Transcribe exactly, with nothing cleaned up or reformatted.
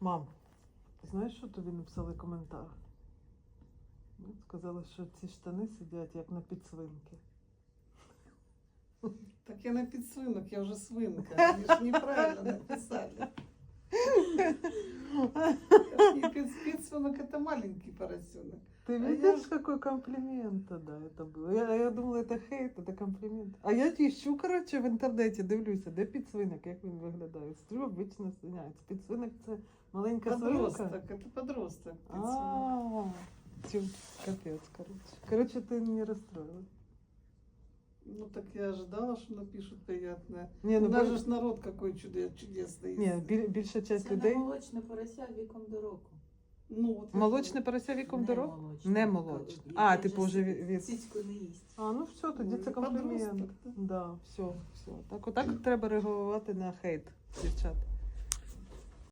Мам, ти знаєш, що тобі написали коментар? Ну, сказали, що ці штани сидять як на підсвинки. Так я на підсвинок, я вже свинка. Вони ж неправильно написали. И пид- Підсвинок это маленький поросенок. Ты А видишь, я- какой комплимент тогда это был? Я, я думала, это хейт, это комплімент. А я ищу, коротше, в інтернеті, дивлюся, де підсвинок, як він виглядає. Стрю обично свиняється. Підсвинок це маленька свинка. Подросток, это подросток. Підсвинок. А, тю, капець, короче. Короче, ты не расстроилась. Ну так я ожидала, что напишут приятное. Не, У ну, нас бо- же ж народ какой чудес, чудесный. Ні, біль, більша часть Це людей. не молочне порося віком до року. Ну, вот Молочне порося віком до року? молочне. Не молочне. Яке А, вже типу, вже сі- від- від- Сіську не їсть. А, ну все, тоді Ну, це комплімент. подросток, да. Да, все, все. Так, отак треба реагувати на хейт, дівчат.